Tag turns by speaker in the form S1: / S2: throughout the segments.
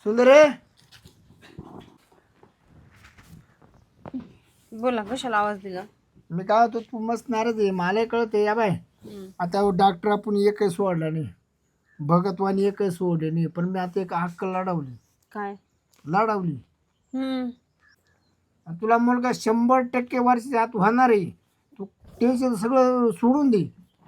S1: सुंदर आहे.
S2: बोला, कशाला आवाज दिला?
S1: मी काय होतो तू मस्त नाराज आहे मला कळते या बाय. आता डॉक्टर आपण एकही सोडला नाही, भगतवानी एकही सोडले नाही, पण मी आता एक हक्क लढवली.
S2: काय?
S1: लढवली.
S2: हम्म.
S1: आणि तुला मुलगा 100% वर्षाच्या आत होणार आहे. तू टेन्शन सगळं सोडून दे.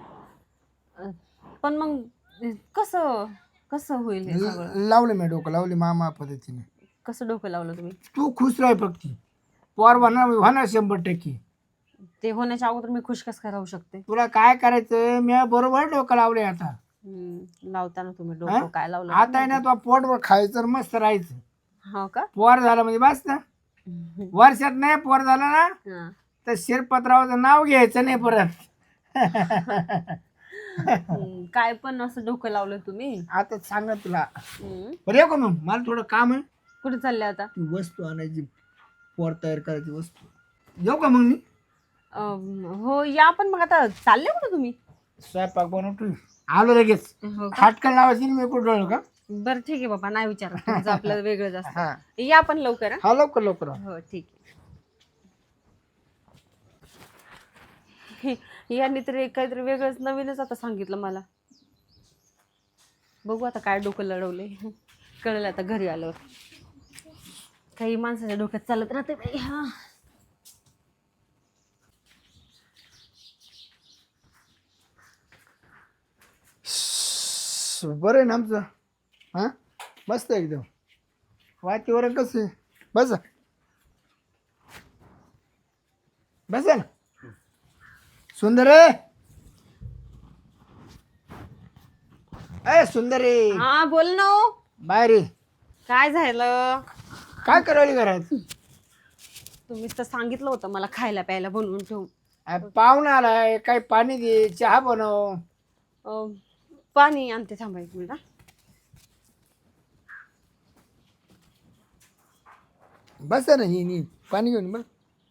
S2: पण मग कसं कसं होईल हे सगळं?
S1: लावलं मी डोकं लावली मामा पद्धतीने.
S2: कसं डोकं लावलं तुम्ही?
S1: तू खुश राह फक्त. पोर होणार होणार 100%.
S2: ते होण्याच्या अगोदर मी खुश कसं काय राहू शकते?
S1: तुला काय करायचं मी बरोबर डोकं लावले आता.
S2: लावताना तुम्ही
S1: हा?
S2: डोकं काय लावलं?
S1: आता आहे ना तुला पोटवर खायचं आणि मस्त राहायचं.
S2: हो का?
S1: पोर झालं म्हणजे बस ना. वर्षात नाही पोर झालं ना
S2: हा.
S1: तर शिरपतरावाचं नाव घ्यायचं नाही परत.
S2: काय पण असं डोकं लावलं तुम्ही?
S1: आता सांग ना तुला.
S2: हम्म.
S1: बरं येऊ का मग मला थोडं काम आहे.
S2: कुठे चालले आता?
S1: ती वस्तू आणायची, पोर तयार करायची वस्तू. येऊ का मग मी?
S2: हो या, पण मग आता चालले कुठे तुम्ही?
S1: स्वयंपाक बनवतो आलो लगेच.
S2: हो का?
S1: हाटकन लावायची ना मी कुठं का.
S2: बरं ठीक आहे बाबा, नाही विचारत. तुमचं आपलं वेगळंच असतं.
S1: हा
S2: या पण लवकर. हा?
S1: हा लवकर लवकर.
S2: हो ठीक आहे. यांनी तरी काहीतरी वेगळंच नवीनच आता सांगितलं मला. बघू आता काय डोकं लढवले. कळलं आता घरी आल्यावर. काही माणसाच्या डोक्यात चालत राहते बाई. हा.
S1: बरं आहे ना आमचं. हा मस्त आहे एकदम. वातावरण कसं आहे? बसा बसा ना. सुंदर आहे. सुंदर आहे.
S2: हा बोल ना.
S1: बाहेर ये.
S2: काय झालं?
S1: काय करायला घरात?
S2: तुम्हीच तर सांगितलं होतं मला खायला प्यायला बनवून ठेवून.
S1: पाहुणा आलाय, काही पाणी दे, चहा बनव.
S2: पाणी आणते, थांबा एक मिनिट.
S1: बस ना ही पाणी घेऊन बस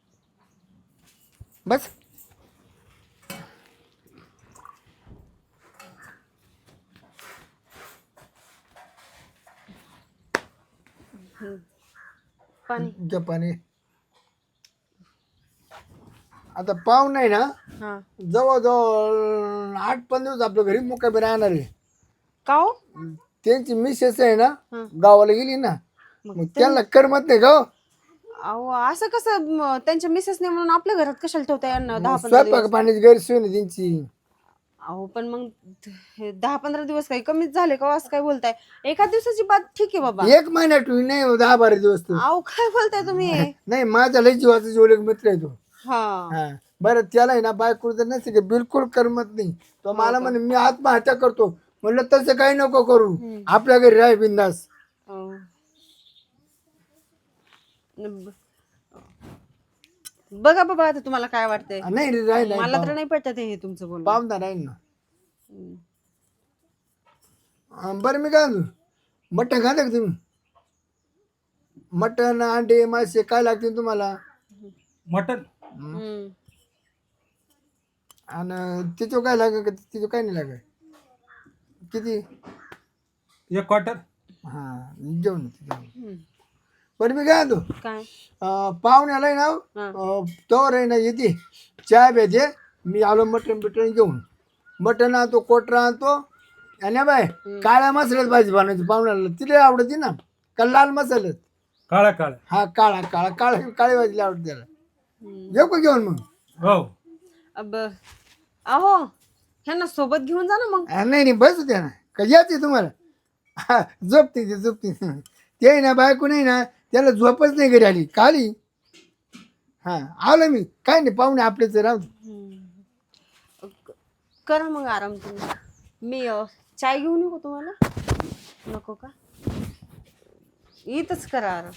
S1: बस.
S2: पाणी.
S1: घ्या पाणी. आता पाहुणा आहे ना
S2: हा.
S1: जवळजवळ 8-15 दिवस आपल्या घरी मुक्कामी राहणार आहे.
S2: का हो?
S1: त्यांची मिसेस आहे ना
S2: हा.
S1: गावाला गेली ना, मग त्यांना करमत नाही का.
S2: अहो असं कसं? त्यांच्या मिसेसने म्हणून आपल्या घरात कशाला ठेवता यांना 10-15
S1: स्वयंपाक
S2: दिवस?
S1: पाण्याची गैरसोय ना त्यांची.
S2: अहो पण मग 10-15 दिवस काही कमीच झाले का? असं काय बोलताय? एका दिवसाची बात ठीक आहे बाबा.
S1: 1 महिना ठेवून नाही 10-12 दिवस तर.
S2: अहो काय बोलताय तुम्ही?
S1: नाही माझा लय जीवाचा जेवढे मित्र आहे तो.
S2: हा.
S1: हा बरं त्याला आहे ना बायको जर नसते की बिलकुल करमत नाही. तो मला म्हणे मी आत्महत्या करतो. म्हणलं तसं काही नको करू, आपल्या घरी राह बिंदास.
S2: बघा बाबा आता तुम्हाला काय वाटतंय.
S1: नाही रे राह
S2: मला तर नाही पटत हे तुमचं बोलणं.
S1: पाहुणा राहील ना. बरं मी काय म्हणतो, मटण खाता का तुम्ही? मटण अंडे मासे काय लागतील तुम्हाला?
S3: मटन
S1: आणि तिचं काय लागेल का? तिचं काय नाही लागेल. किती?
S3: 1 क्वार्टर.
S1: हा जेवण. बरं मी काय म्हणतो,
S2: काय?
S1: पाहुण्याला आहे ना तोवर आहे ना येते चहा भेटे. मी आलो मटण बिटण घेऊन. मटण आणतो, कोटरा आणतो. आणि बाय काळ्या मसाल्यात भाजी बनवायची पाहुण्याला, तिला आवडते ना का लाल मसाल्यात?
S3: काळा काळा.
S1: हा काळा काळा काळा काळी भाजी आवडते त्याला. येऊ का घेऊन मग?
S3: हो.
S2: अहो ह्यांना सोबत घेऊन जा ना मग.
S1: नाही नाही बस होत्या ना का यायचे तुम्हाला. हा झोपते ते झोपते ते ना बायको नाही ना त्याला झोपच नाही घरी आली खाली. हा आलो मी काय नाही पाहुणे आपलेच राहू.
S2: करा मग आराम तुम्ही. मी चाय घेऊन येऊ का तुम्हाला? नको का? इथंच करा आराम.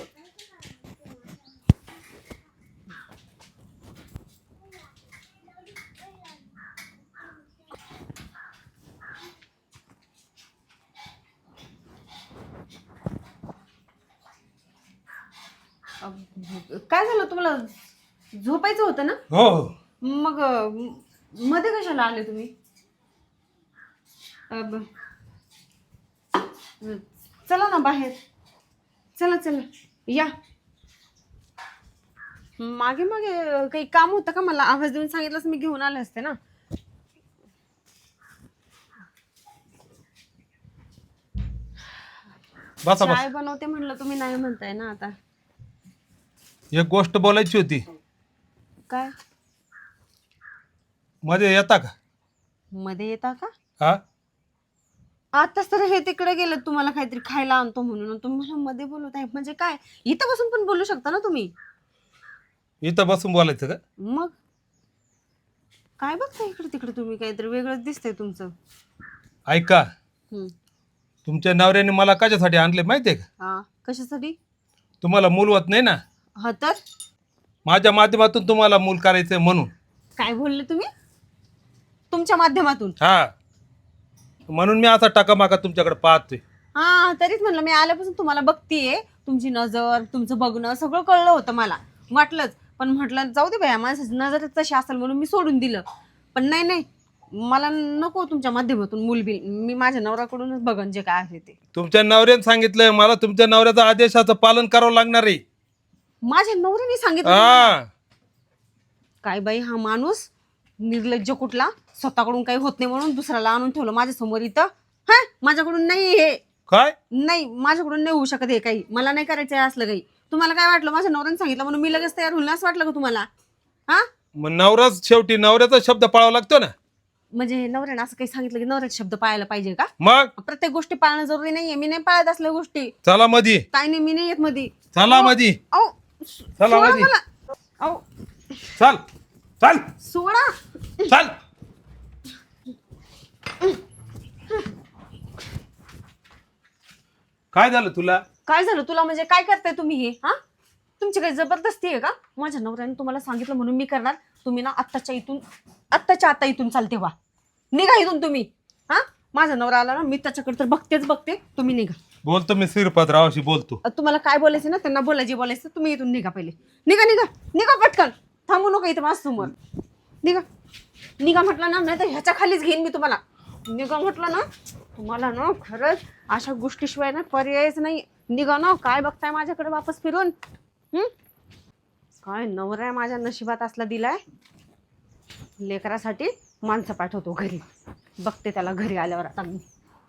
S2: काय झालं तुम्हाला? झोपायचं होतं ना?
S3: हो.
S2: मग मध्ये कशाला आले तुम्ही? चला ना बाहेर. चला चला या. मागे मागे काही काम होतं का? मला आवाज देऊन सांगितलं मी घेऊन आले असते ना.
S3: बसा
S2: चाय
S3: बस.
S2: बनवते म्हणलं, तुम्ही नाही म्हणताय ना आता.
S3: एक गोष्ट बोलायची होती.
S2: काय
S3: मध्ये येता का?
S2: मध्ये येता का?
S3: हा,
S2: आताच तर हे तिकडे गेलं, तुम्हाला काहीतरी खायला आणतो म्हणून तुम्ही मला मध्ये बोलत आहे म्हणजे काय? इथं बसून पण बोलू शकता ना तुम्ही.
S3: इथं बसून बोलायचं का?
S2: मग काय बघता इकडे तिकडे तुम्ही? काहीतरी वेगळंच दिसतंय तुमचं.
S3: ऐका,
S2: हम्म.
S3: तुमच्या नवऱ्याने मला कशासाठी आणले माहितीये का?
S2: हा कशासाठी?
S3: तुम्हाला मूल होत नाही ना,
S2: हा तर
S3: माझ्या माध्यमातून तुम्हाला मूल करायचंय म्हणून.
S2: काय बोलले तुम्ही? तुमच्या माध्यमातून?
S3: हा, म्हणून मी असा टाकामाका तुमच्याकडे पाहतोय.
S2: हा तरीच म्हणलं, मी आल्यापासून तुम्हाला बघतीये. तुमची नजर, तुमचं बघणं सगळं कळलं होतं मला, वाटलंच. पण म्हटलं जाऊ दे बाया, माणसाची नजर तशी असेल म्हणून मी सोडून दिलं. पण नाही नाही, मला नको तुमच्या माध्यमातून मूलबिल. मी माझ्या नवऱ्याकडूनच बघन जे काय आहे ते.
S3: तुमच्या नवऱ्याने सांगितलंय मला, तुमच्या नवऱ्याच्या आदेशाचं पालन करावं लागणार आहे.
S2: माझ्या नवऱ्याने सांगितलं तुम्हाला?
S3: हा,
S2: काय बाई हा माणूस निर्लज्ज कुठला. स्वतःकडून काही होत नाही म्हणून दुसऱ्याला आणून ठेवलं माझ्या समोर इथं. हा माझ्याकडून नाही हे,
S3: काय?
S2: नाही माझ्याकडून नाही होऊ शकत हे काही. मला नाही करायचं आहे असलं काही. तुम्हाला काय वाटलं माझ्या नवऱ्याने सांगितलं म्हणून मी लगेच तयार होईल असं वाटलं का तुम्हाला? हा
S3: मग नवराच शेवटी नवऱ्याचा शब्द पाळावा लागतो ना.
S2: म्हणजे नवऱ्याने असं काही सांगितलं की नवऱ्याचे शब्द पाळायला पाहिजे का?
S3: मग
S2: प्रत्येक गोष्टी पाळणं जरुरी नाहीये. मी नाही पाळत असल्या गोष्टी.
S3: चला मधी,
S2: काय नाही, मी नाही येत मध्ये.
S3: चला मधी,
S2: अहो
S3: चला
S2: सोडा
S3: मधी.
S2: मला. अहो
S3: चल चल
S2: सोडा.
S3: चल. काय झालं तुला?
S2: काय झालं तुला म्हणजे? काय करताय तुम्ही हे? हा तुमची काही जबरदस्ती आहे का? माझ्या नवऱ्याने तुम्हाला सांगितलं म्हणून मी करणार. तुम्ही ना आत्ताच्या आता इथून चालते व्हा. निघा इथून तुम्ही. हा माझा नवरा आला ना, मी त्याच्याकडे तर बघतेच बघते. तुम्ही निघा.
S3: बोलतो मी श्रीपादरावशी बोलतो.
S2: तुम्हाला काय बोलायचं ना, त्यांना बोलायचे बोलायचं. तुम्ही इथून निघा पहिले. निघा निघा निघा पटकन. थांबू नका इथं माझ्या समोर. निघा निघा म्हटलं ना, नाही तर ह्याच्या खालीच घेईन मी तुम्हाला. निघा म्हटलं ना, तुम्हाला ना खरंच अशा गोष्टीशिवाय ना पर्यायच नाही. निघा ना. काय बघताय माझ्याकडे वापस फिरून? काय नवरा आहे माझ्या नशिबात असला दिलाय. लेकरासाठी माणसं पाठवतो घरी. बघते त्याला घरी आल्यावर आता मी.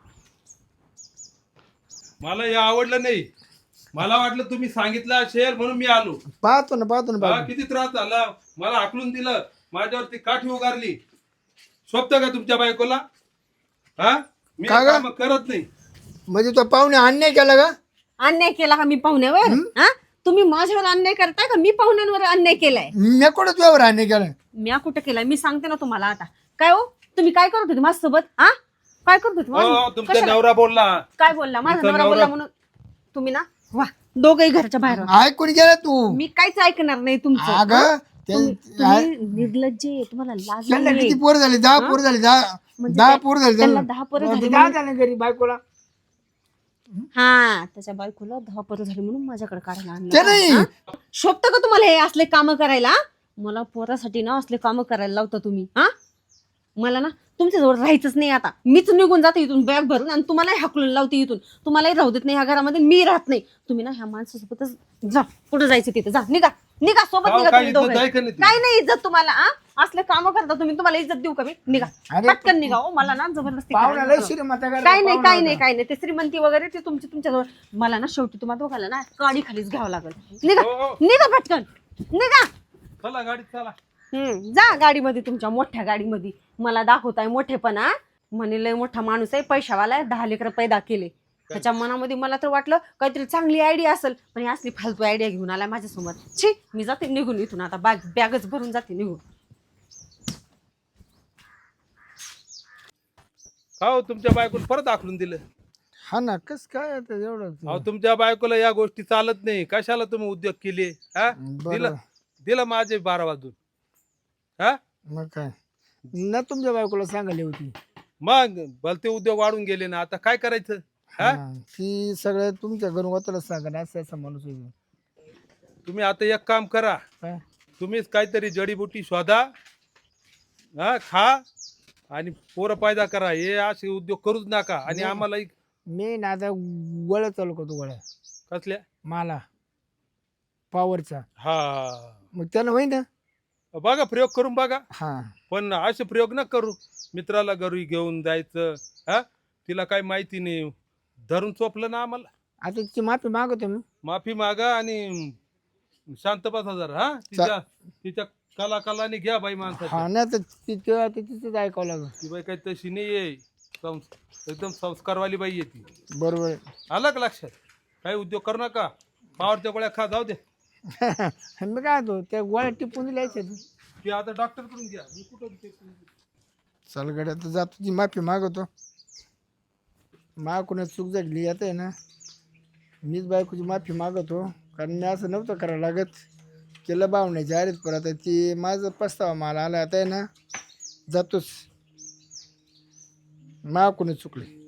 S3: मला हे आवडलं नाही. मला वाटलं तुम्ही सांगितलं असेल म्हणून मी आलो.
S1: पाहतो ना
S3: हा,
S1: बाबा.
S3: किती त्रास झाला. मला हाकलून दिलं, माझ्यावरती काठी उगारली. स्वप्त का तुमच्या बायकोला? हा मी
S1: का ग?
S3: काम करत नाही.
S1: म्हणजे तो पाहुणे अन्याय केला का?
S2: अन्याय केला का मी पाहुण्यावर? हा तुम्ही माझ्यावर अन्याय करताय का मी पाहुण्यांवर अन्याय केलाय?
S1: मी कुठं तुझ्यावर अन्याय केला?
S2: मी कुठं केलाय? मी सांगते ना तुम्हाला आता. काय हो तुम्ही काय करत होते माझ्यासोबत? हा काय करत होते
S3: हो, तुमचा
S2: कशाला?
S3: नवरा बोलला.
S2: काय बोलला? माझा
S3: तुमचा
S2: नवरा
S3: नवरा-
S2: बोलला म्हणून तुम्ही ना वा दोघही घरच्या बाहेर व्हा.
S1: ऐकून गेला तू?
S2: मी काहीच ऐकणार नाही तुमचं.
S1: अगं
S2: तुम्ही निर्लज्ज आहे. तुम्हाला लाज
S1: त्यांना
S2: नाहीये.
S1: किती पोर झाले? 10 पोर झाले. 10
S2: म्हणजे
S1: 10
S2: ते-
S1: पोर झाले
S2: त्यांना
S1: त्यांना.
S2: 10 पोरं
S1: मग
S2: झाली
S1: ते 10 झाले घरी बायकोला.
S2: हा त्याच्या बायकोला 10 पोरं झाली म्हणून माझ्याकडे काढायला आणलं
S1: ते
S2: का?
S1: नाही.
S2: हा? शोभतं का तुम्हाला हे असले काम करायला? मला पोरासाठी ना असले काम करायला लावता तुम्ही. हा मला ना तुमच्याजवळ राहायचंच नाही आता. मीच निघून जाते इथून बॅग भरून आणि तुम्हालाही हाकलून लावते इथून. तुम्हालाही राहू देत नाही ह्या घरामध्ये. मी राहत नाही. तुम्ही ना ह्या माणसासोबतच जा. कुठं जायचं तिथे जा. निघा निघा सोबत
S3: अहो,
S2: निघा
S3: काय
S2: तुम्ही
S3: इज्जत
S2: दोघं.
S3: आहे का नाही तुझी?
S2: काय नाही इज्जत तुम्हाला? असले काम करता तुम्ही. तुम्हाला इज्जत देऊ का मी? निघा
S1: अरे,
S2: पटकन निघा. हो मला ना जबरदस्ती
S1: पाहुण्याला
S2: करायला नको.
S1: श्रीमंत करायला
S2: काय नाही
S1: पाहुणा
S2: काय नाही
S1: होता.
S2: काय नाही. ते श्रीमंती वगैरे ते तुमच्याजवळ. मला ना शेवटी तुम्हाला दोघाला ना काडी खालीच घ्यावं लागेल. निघा
S3: हो, हो.
S2: निघा पटकन निघा.
S3: चला गाडीत चला.
S2: जा गाडीमध्ये, तुमच्या मोठ्या गाडीमध्ये. मला दाखवताय मोठेपणा. म्हणे लय मोठा माणूस आहे, पैशावाला आहे, 10 लेकरं पैदा केले. त्याच्या मनामध्ये मला तर वाटलं काहीतरी चांगली आयडिया असेल, पण ही असली फालतू आयडिया घेऊन आलाय माझ्यासमोर. छी मी जाते निघून इथून आता. बॅगच भरून जाते निघून.
S3: हो, तुमच्या बायकोला परत आखलून दिलं.
S1: हा ना कस काय आता एवढं?
S3: अहो, तुमच्या बायकोला या गोष्टी चालत नाही. कशाला तुम्ही उद्योग केले? हा
S1: बरं.
S3: दिलं माझे 12 वाजून. हा
S1: मग काय ना तुमच्या बायकोला सांगायला होती.
S3: मग भलते उद्योग वाढून गेले ना. आता काय करायचं? हा
S1: ती सगळं तुमच्या घरून होताला सांगा. असं असा माणूस होईल.
S3: तुम्ही आता एक काम करा.
S1: काय?
S3: तुम्हीच काहीतरी जडीबुटी शोधा, हा खा आणि पोरं पैदा करा. हे असे उद्योग करूच नका. आणि आम्हाला
S1: मी ना आता गोळ्या चालू करतो. गोळ्या
S3: कसल्या
S1: मला पॉवरचा
S3: हा
S1: मग त्यानं होईन ना.
S3: बघा प्रयोग करून बघा,
S1: हा
S3: पण असे प्रयोग न करू. मित्राला घरी घेऊन जायचं, हा तिला काही माहिती नाही, धरून चोपलं ना आम्हाला.
S1: आता तिची माफी मागवतो मी.
S3: माफी मागा आणि शांत बसा जरा. हा तिच्या तिच्या कलाने घ्या बाई माणसाच्या.
S1: हा नाही तर तेव्हा तिचंच ऐकावं लागेल.
S3: ती बाई काही तशी नाही आहे, एकदम संस्कारवाली बाई आहे ती.
S1: बरोबर आहे.
S3: आलं का लक्षात? काही उद्योग करू नका, पावरच्या गोळ्या खा, जाऊ दे.
S1: मी काय होतो त्या गोळ्या टिपून दिल्याच्या.
S3: ती आता डॉक्टर कडून घ्या, मी कुठं ते.
S1: चल गड्या तर जातो, ती माफी मागवतो. कोणा चूक झाली आता आहे ना, मीच बायकोची माफी मागवतो. कारण मी असं नव्हतं करायला लागत. केलं भावण्याच्या आरेच, पण आता ती माझं पस्तावा मला आला आता आहे ना, जातोच. कोणी चुकले.